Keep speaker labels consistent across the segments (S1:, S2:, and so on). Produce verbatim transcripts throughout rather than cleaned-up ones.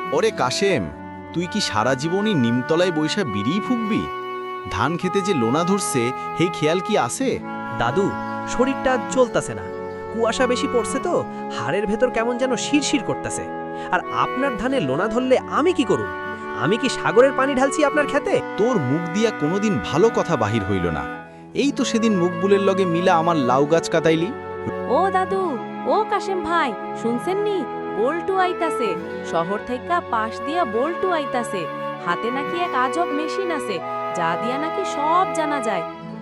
S1: ওরে কাশেম, তুই কি সারা জীবনই নিমতলায় বৈশা বিড়িই ফুকবি? ধান খেতে যে লোনা ধরছে সেই খেয়াল কি আছে?
S2: দাদু, শরীরটা চলতেছে না, কুয়াশা বেশি পড়ছে তো হাড়ের ভেতর কেমন যেন শিরশির করতেছে। আর আপনার ধানে লোনা ধরলে আমি কি করব? আমি কি সাগরের পানি ঢালছি আপনার খেতে?
S1: তোর মুখ দিয়া কোনোদিন ভালো কথা বাহির হইল না। এই তো সেদিন মুখবুলের লগে মিলা আমার লাউ গাছ কাটাইলি।
S3: ও দাদু, ও কাশেম ভাই, শুনছেন নি? বল্টু আইতাছে, শহর থেকে পাশ দিয়া বল্টু আইতাছে। হাতে নাকি এক আজব মেশিন আছে, যা দিয়া নাকি সব জানা যায়।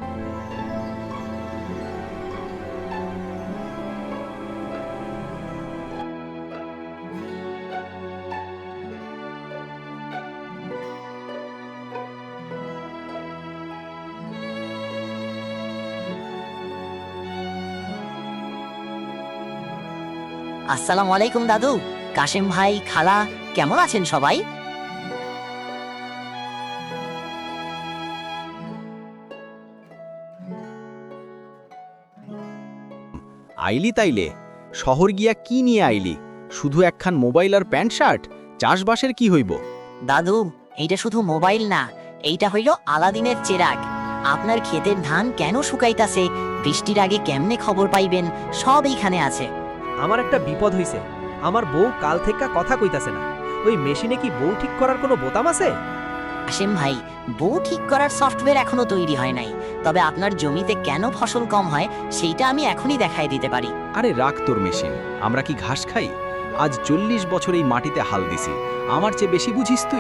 S4: আসসালামু আলাইকুম দাদু, কাশেম ভাই, খালা, কেমন আছেন সবাই?
S1: আইলি তাইলে? শহর গিয়া কি নিয়ে আইলি? শুধু একখান মোবাইল আর প্যান্ট শার্ট? চাষবাসের কি হইব?
S4: দাদু, এইটা শুধু মোবাইল না, এইটা হইল আলাদিনের চেরাগ। আপনার ক্ষেতের ধান কেন শুকাইতাছে, বৃষ্টির আগে কেমনে খবর পাইবেন, সব এইখানে আছে।
S2: আমার একটা বিপদ হইছে। আমার বউ কাল থেকে কথা কইতাছে না। ওই মেশিনে কি বউ ঠিক করার কোনো বোতাম আছে?
S4: কাশেম ভাই, বউ ঠিক করার সফটওয়্যার এখনো তৈরি হয় নাই, তবে আপনার জমিতে কেন ফসল কম হয় সেইটা আমি এখনই দেখাই দিতে পারি।
S1: আরে রাখ তোর মেশিন, আমরা কি ঘাস খাই? আজ চল্লিশ বছর এই মাটিতে হাল দিছি, আমার চেয়ে বেশি বুঝিস তুই?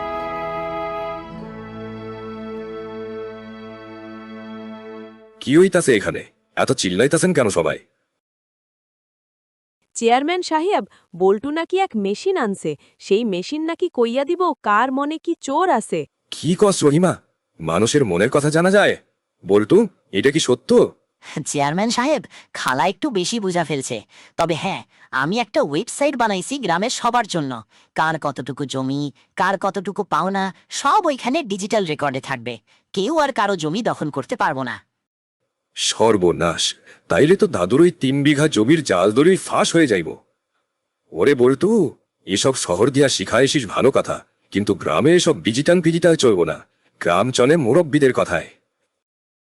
S5: কি হইতাছে এখানে? এত চিল্লাইতাছেন কেন সবাই?
S3: চেয়ারম্যান সাহেব, বল্টু নাকি এক মেশিন আনছে, সেই মেশিন নাকি কইয়া দিব কার মনে কি চোর আছে।
S5: কি কস রহিমা? মানুষের মনের কথা জানা যায়? বল্টু, এটা কি সত্য?
S4: চেয়ারম্যান সাহেব, খালা একটু বেশি বুঝা ফেলছে। তবে হ্যাঁ, আমি একটা ওয়েবসাইট বানাইছি গ্রামের সবার জন্য। কার কতটুকু জমি, কার কতটুকু পাওনা, সব ওইখানে ডিজিটাল রেকর্ডে থাকবে। কেউ আর কারো জমি দখল করতে পারবো না।
S5: সর্বনাশ! তাইলে তো দাদুর ওই তিন বিঘা জমির জাল দড়ি ফাঁস হয়ে যাইব। ওরে বল্টু, এসব শহর দিয়া শিখা এসিস ভালো কথা, কিন্তু গ্রামে এসব ডিজিটাল ফিজিটাল চলবো না। গ্রাম চলে মুরব্বীদের কথায়।